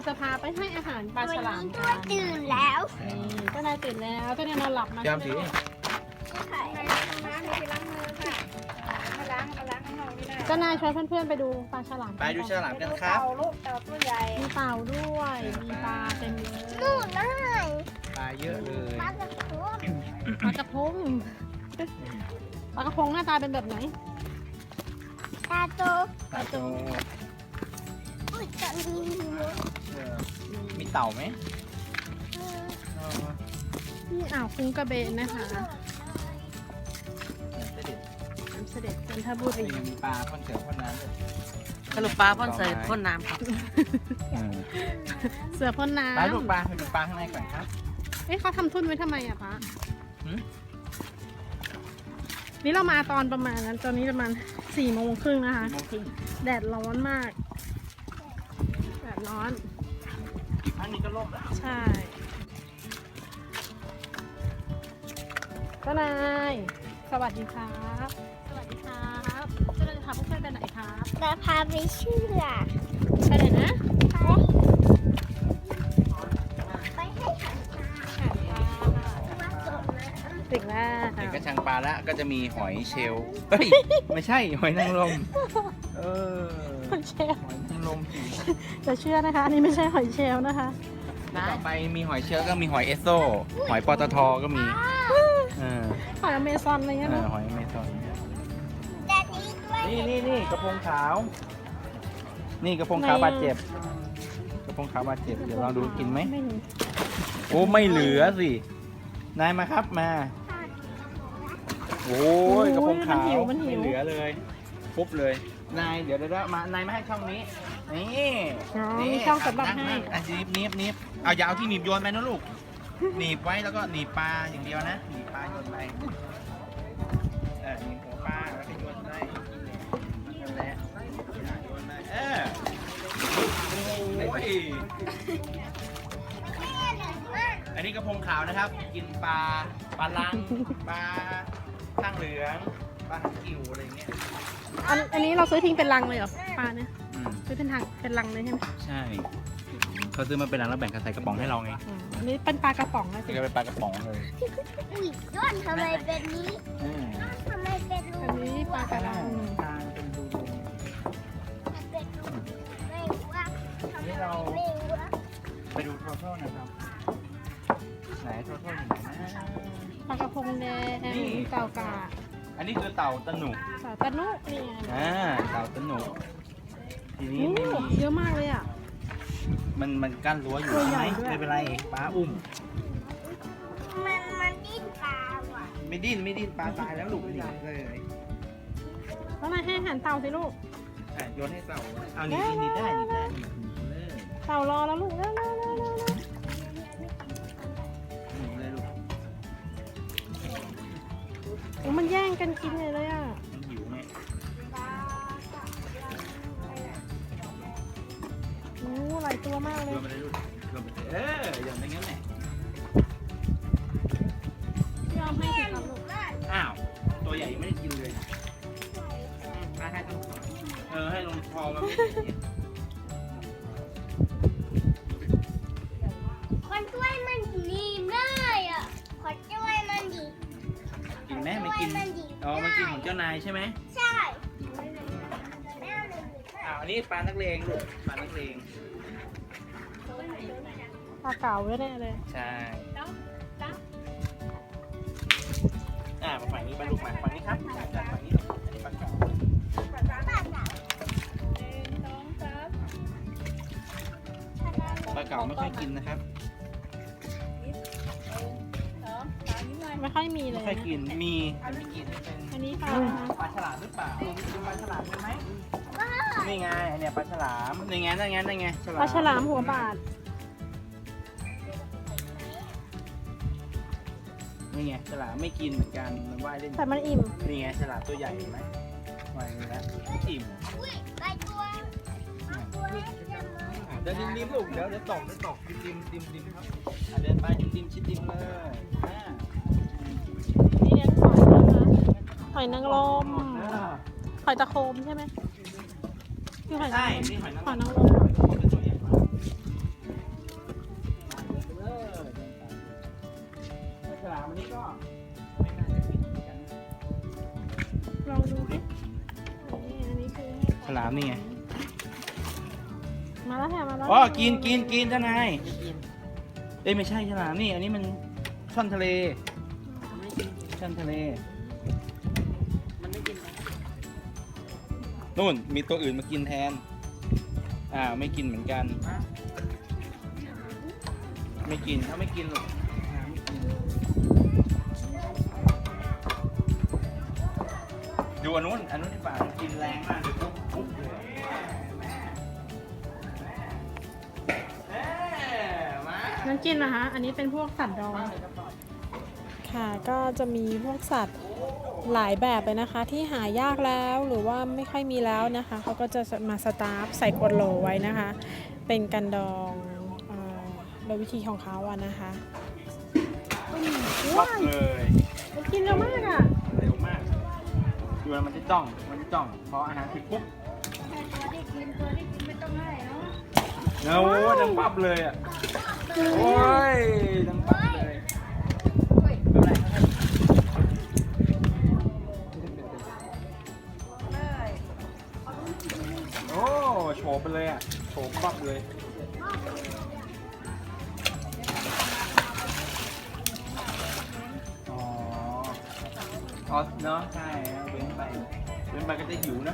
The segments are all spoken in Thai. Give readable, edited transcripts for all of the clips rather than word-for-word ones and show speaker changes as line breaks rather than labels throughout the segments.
จะพาไปให้อาหารปลาฉลามกัน
ตื่นแล้ว
นี่เจ้านายตื่นแล้วเจ้านายนอนหลับมา
จำสิ
เจ้านายชวนเพื่อนๆไปดูปลาฉลาม
ไปดูฉลามกันครับ
มีเต่าด้วยมีปลาเต็มเลย
นู่นได้
ปลาเยอะเลย
ปลากระพง
ปลากระพงปลากระพงหน้าตาเป็นแบบไหน
ตาโต
ปลาโต
อุ้ยจะมีหัว
มีเต่าไหม
นี่อ่าวคุ้งกระเบนนะคะ
เสด็จ
น้ำเสด็จจันทบุรี
มีปลาพ่นเสือพ่นน้ำด้วย
สรุปปลาพ่นใส่พ่นน้ำครับ
เสือพ่นน้ำ
ไปลูกปลาไปดูปลาข้างในก่อนครับ
เอ๊ะเขาทำทุ่นไว้ทำไมอะพะ
หืม
นี่เรามาตอนประมาณนั้นตอนนี้ประมาณ4:30นะคะ
4:30
แดดร้อนมาก แดดร้อน
อันนี้ก็ล่มแล้ว
ใช่เจ้านายสวัสดีครับ สวัสดีครับเจ้านายจะพาเพื่อนๆไปไหนครับ
จะพาไปเชื่อ
ไปไหนนะ
ไปให้ขันตาว่าสดนะ
ถึงแล้ว
เห็นกระชังปลาแล้วก็จะมีหอยเชลล์เฮ้ย ไม่ใช่หอยนางรมเออ
หอยเชลล์
หอยนางรม
จะเชื่อนะคะ อันนี้ไม่ใช่หอยเชลล์นะคะ
ต่อไปมีหอยเชลล์ก็มีหอยเอสโซหอยปตทก็มีเออ
หอยอเมซอนอะไรเงี้ยนะ
หอยเมซอน
แต่นี้ด้วย
นี่กระพงขาว นี่กระพงขาวบาดเจ็บ กระพงขาวบาดเจ็บ เดี๋ยวลองดูกินไหม
ไม่มี
โอ้ไม่เหลือสิ นายมาครับมา โอ้ยกระพงขาวไม่เหลือเลยปุ๊บเลย นายเดี๋ยวนายมาให้ช่องนี้ นี่
อ๋อ
นี่
มีช่องสำหรับ
นั่ง
ให้
อ่ะนิบเอาอย่าเอาที่หนีบโยนไปนะลูก หนีบไว้แล้วก็หนีบปลาอย่างเดียวนะ หนีบปลาโยนไปหนีบหัวปลาแล้วก็โยนได้นั่นแหละโยนไปโอ้ย อันนี้กระพงขาวนะครับ กินปลาลัง ปลาข้างเหลือง ปลาหางกิ่วอะไรอย่างเงี้ย
อันนี้เราซื้อทิ้งเป็นลังเลยเหรอปลาเนี่ย
อืม
ซื้อเป็นทางเป็นลังเลยใช่ไหม
ใช่เขาซื้อมาเป็นลังแล้วแบ่งกันใส่กระป๋องให้เราไง
อ๋ออันนี้เป็นปลากระป๋องนะสิ
นี่ก็เป็นปลากระป๋องเลย
อุ้ยย้อนทำไมเป็นนี้
อืม
ทำไมเป็นรู
อันนี้ปลากระดัง
ทางเป็นดู
มันเป็นรูไม่รู้ว่าทำไมไม่รู้ว่า
ไปดูโทโท่นะครับ ไหนโทโท่อยู่ไหนนะ
ปลากระพงแดง
นี่
เต่ากา
อันนี้คือเต่าตะหนุ
สาตะนุนี่ไง
เต่าตะหนุทีนี้
โอ้
ไม่มี
เยอะมากเลยอ่ะ
มันกั้นรั้วอยู่
ตัว
ใช่
ให
ไห
ญ่
ม
ด้วย
ไม่เป็นไรปลาอุ้ม
มันดิ้นตาว่ะ
ไม่ดิ้นปลาตายแล้วลูกหนีเลย
แล้วนายให้อาหารเต่าสิลูก
โยนให้เต่าเอาหนีได้หนีเลย
เต่ารอแล้วลูกเร็ว
หนีเลยลูก
โอ้มันแย่งกันกินเลยอ่ะ
มันหิวไง
โอ้หลายตัวมากเล
โย
ย
นไปเลยลูกโยนไปเลยอย่างนั้นแหละ
ยอมให้สิครับลูก
อ้าวตัวใหญ่ไม่ได้กินเลยให้ต้องให้ลงคอมันไม่ได้กิน
คนช่วยมันดีได้อ่ะคนช่วยมันดี
กินไหมไม่กินอ๋อมันกินของเจ้านายใช่ไหม
ใช่
อันนี้ปลานักเลงลูกปลานักเลง
ปลาเก๋าแน่เลย
ใช่มาฝั่งนี้ปลาลูกมาฝั่งนี้ครับจากฝั่งนี้อันนี้ปลาเก๋าปลาเก๋าไม่ค่อยกินนะครับ
ไม่ค่อยมีเล
ไม่
ย
ค่อยกินมีแต่ไม่กินเป็น
อันนี้ปลา
ปลาฉลามหรือเปล่ากินปลาฉลามใช่ไหมนี่ไงเนี่ยปลาฉลามนี่ไงนั่นไง
ปลาฉลามหัวบาด
นี่ไงฉลามไม่กินเหมือนกันมันว่ายเล่น
แต่มันอิ่ม
นี่ไงฉลามตัวใหญ่เห็นไหมว่ายอย่างนี้แล้วอิ่ม
อุ้ยไปตัวให้เพื่อนมา
เดินริมลูกเดี๋ยวตกริมครับเดินไปริมชิดริมเลย
นี่เลี้ยงหอยนะคะหอยนางรมหอยตะโคมใช่ไหมคือหอยนาง
ใช่
รม
นี่หอยนาง
หอย
ร
นาง
ม
รม
ตัวใหญ่มาก
มาแล้วค่ะมาแล้ว
อ๋อกินเจ้านาย
ไม่กิน
เอ้ยไม่ใช่ฉลามนี่อันนี้มันช่อนทะเล
มันไม่กิน
ช่อนทะเล
มันไม่กินนะ
นู่นมีตัวอื่นมากินแทนไม่กินเหมือนกัน ไม่กินเขาไม่กินหรอกไม่กินดูอันนู้นที่ป่ามันกินแรงมากเลยปุ๊บเลยมา
น้ำจิ้มนะคะ อันนี้เป็นพวกสัตว์ดองค่ะ ก็จะมีพวกสัตว์หลายแบบเลยนะคะ ที่หายากแล้วหรือว่าไม่ค่อยมีแล้วนะคะเขาก็จะมาสตาร์ฟใส่ขวดโหลไว้นะคะ เป็นกันดองโดยวิธีของเขาอะนะคะ
ปั๊บเลย
มันกินเร็วมากอะ
เร็วมากดูแล้วมันจะจ้องพออาหารถึงปุ๊บโอ้ดังปั๊บเลยอ่ะโอ้ยดังปั๊บเลยโอ้โฉบไปเลยอ่ะโฉบปั๊บเลยอ๋อเนาะใช่เว้นไปก็จะหิวนะ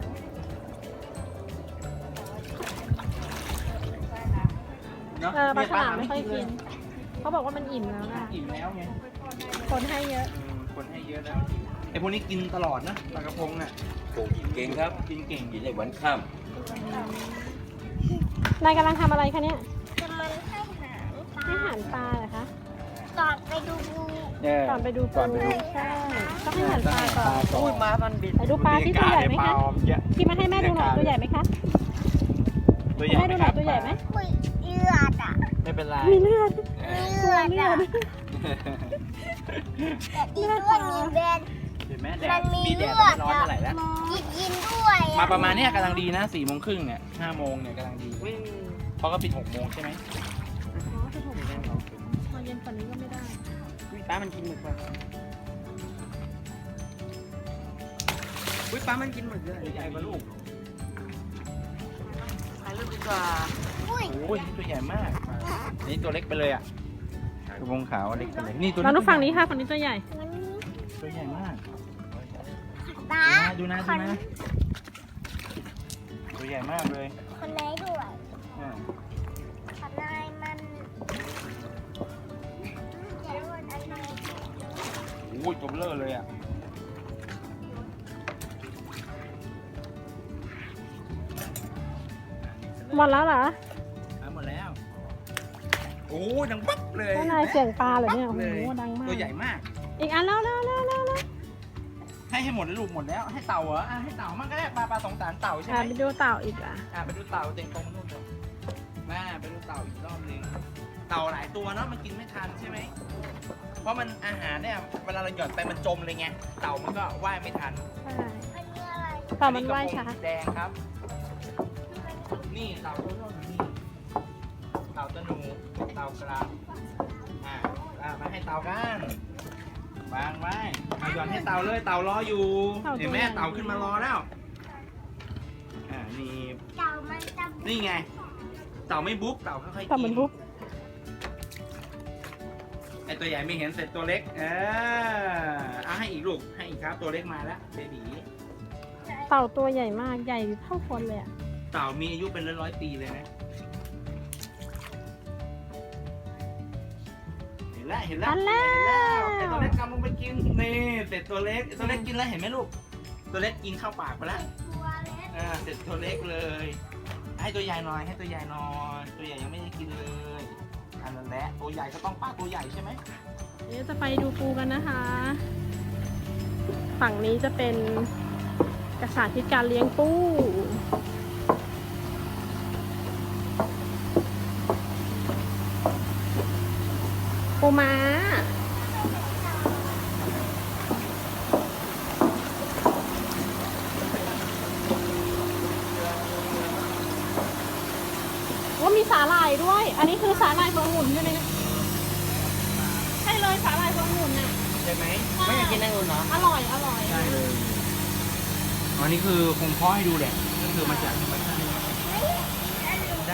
เนาะ
ปลาฉลามไม่ค่อยกินเขาบอกว่ามันอิ่มแล้วนะ
อิ่มแล้วไง
คนให้เยอะ
คนให้เยอะแล้วไอพวกนี้กินตลอดนะปลากระพงน่ะ
เก่งครับ
กินเก่ง
กินในวันข้าม
นายกำลังทำอะไรคะเนี่ย
จะมันให้หาง
ให้อาหารปลาเหรอคะ
ตอนไปดูงู
ก่อนไปดูปูใช่ต้องให้อาหารปลาก่อน
อุ้ยม้ามันบิน
ไปดูปลาที่ตัวใหญ่ไหมคะที่มาให้แม่ดูหน่อยตัวใหญ่ไหมคะ
ตัวใหญ่
ให้ดูหน่อยตัวใหญ่ไหม
คุยเลือดอ่ะ
ไม่เป็นไร
มีเลือด
เลือดอ่ะแต่ที่ด้วยมีแบน
เห็นไหมแด
มั
ด
นมี
มีแดด
เลือด
ไม่ร้อนเท่าไหร่แล้ว
กินด้วย
มาประมาณเนี้ยกำลังดีนะ4 โมงครึ่งเนี่ย5 โมงเนี่ยกำลังดี
วิ่ง
เพราะก็ปิด6 โมงใช่ไหม
พอเย็นกว่านี้ก็ไม่ได้
อุ้ยปลามันกินหมึกว่ะอุ้ยปลามันกินหมึกเลย
ตัวใหญ่กว่าลูก
ถ่ายรูปดีกว่า
อุ้ย
โอ้ยนี่ตัวใหญ่มากนี่ตัวเล็กไปเลยอ่ะกระพงขาวเล็กไปเลยนี่ตัว
เราดูฝั่งนี้ค่ะฝั่งนี้ตัวใหญ่
มันมี
ตัวใหญ่มาก
ตา
ดูนะตัวใหญ่มากเลย
คนไหนด้วย
อ่า
คนไหนมันเดี๋ยววันอะไร
โอ้ยตัวเบลอเลยอ่ะ
หมดแล้วเหรอ
หมดแล้วโอ้ยดังปั๊บเลย
เจ้านายเสียงปลาเหรอเนี่ยโอ้โห
เลย
ดังมาก
ตัวใหญ่มาก
อีกอันแล้ว
ให้หมดเลยลูกหมดแล้วให้เต่าเหรอให้เต่ามั่งก็ได้ปลาสงสารเต่าใช่ไหม
ไปดูเต่าอีกอ่ะ
ไปดูเต่าเต็งตรงนู่นเลยมาไปดูเต่าอีกรอบนึงเต่าหลายตัวเนาะมันกินไม่ทันใช่ไหมเพราะมันอาหารเนี่ยเวลาเราหย่อนไปมันจมเลยไงเต่ามันก็ว่ายไม่ทัน
ใช่
อันนี้อะไร
เต่ามันว่ายช้า
อันนี้กระพงแดงครับ นี่เต่าตัวโน้นอยู่นี่เต่าตะหนูเต่ากระมาให้เต่ากันวางไว้เอาหย่อนให้เต่าเลยเต่ารออยู่เห็นไหมเต่าขึ้นมารอแล้วนี่
เต่ามันจะ
นี่ไง เต่าไม่บุ๊กเต่าค่อยๆกิน
เต่ามันบุ๊บ
ไอตัวใหญ่ไม่เห็นเสร็จตัวเล็กเอาให้อีกลูกให้อีกครับตัวเล็กมาแล้วเบบี
เต่าตัวใหญ่มากใหญ่เท่าคนเลยอ่ะ
เต่ามีอายุเป็นร้อยๆปีเลยนะเห็นแล้ว
อันแล้ว
ไอตัวเล็กกำลังไปกินนี่เสร็จตัวเล็กตัวเล็กกินแล้วเห็นไหมลูกตัวเล็กกินเข้าปากไปแล้ว
ตัวเล็ก
เสร็จตัวเล็กเลย ให้ตัวใหญ่หน่อยให้ตัวใหญ่หน่อยตัวใหญ่ยังไม่ได้กินเลยอันนั้นแหละตัวใหญ่ก็ต้องป้าตัวใหญ่ใช่ไหม
เดี๋ยวจะไปดูปูกันนะคะ ฝั่งนี้จะเป็นกระสาธิตการเลี้ยงปูปูม้าว่ามีสาหร่ายด้วย อันนี้คือสาหร่ายพวงหมุนใช่ไหมใช่เลยสาหร่ายพวงหมุนน่ะ
ใช่ไหม
ไม่อยากกินอังุ่นเหรอ
อร่อย อร่อย
ได้เลยอันนี้คือคงเพาะให้ดูแหละก็คือมาจากธรรมชาติได้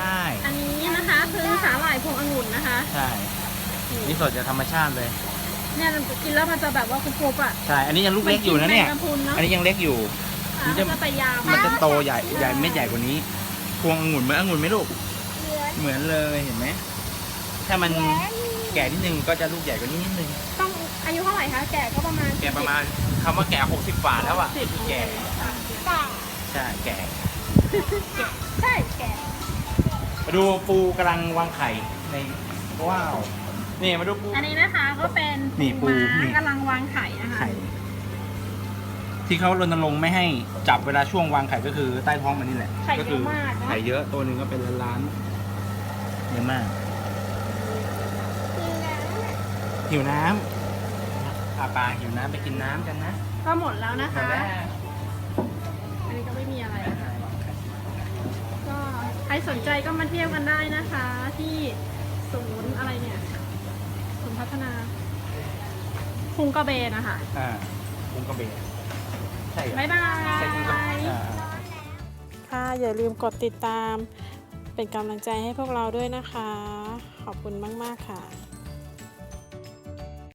งุ่นนะคะ
ใช่นี่สดจากธรรมชาติเลย
เนี่ยกินแล้วมันจะแบบว่ากรุบๆอ่ะ
ใช่อันนี้ยังลูกเล็กอยู่นะเนี่ย
มักิแมงกะพรุนเนาะ
อันนี้ยังเล็กอยู่ มันจะ
ก็จะยาว
มันจะโตใหญ่เม็ดใหญ่กว่านี้พวงองุ่นเหมือนองุ่นไหมลูก
เหลือ
เหมือนเลยเห็นไหมถ้ามันแก่นิดนึงก็จะลูกใหญ่กว่านี้นิดนึง
ต้องอายุเท่าไหร่คะแก่ก็ประมาณ
แก่ประมาณคำว่าแก่60 กว่าแล้วอ่ะแก่
แต่
ใช่แก่
ใช่แก่
มาดูปูกำลังวางไข่ในว้าวนี่มาดูปู
อันนี้นะคะก็เป็น
นี่ปู
ม้า
นี่
กำลังวางไข่นะคะ
ไข่ที่เขารณรงค์ไม่ให้จับเวลาช่วงวางไข่ก็คือใต้ท้องมันนี่แหละ
ไข่
ก็
เย
คื
อะมากนะ
ไข่เยอะตัวหนึ่งก็เป็นล้านๆเยอะมาก
กินน้ำ
หิวน้ำปลาหิวน้ำไปกินน้ำกันนะ
ก็หมดแล้วนะ
หมด
คะ
แล้ว
อันนี้ก็ไม่มีอะไรนะคะก็ใครสนใจก็มาเที่ยวกันได้นะคะ ที่ศูนย์อะไรเนี่ยศูนย์พัฒนาพุงกระเบนนะคะ
กุ้งกระเบนใช่เหรอ
บ๊ายบาย
ใช่กุ้งกระเบนอ่า
ค่ะอย่าลืมกดติดตามเป็นกำลังใจให้พวกเราด้วยนะคะ ขอบคุณมาก ๆ ค่ะ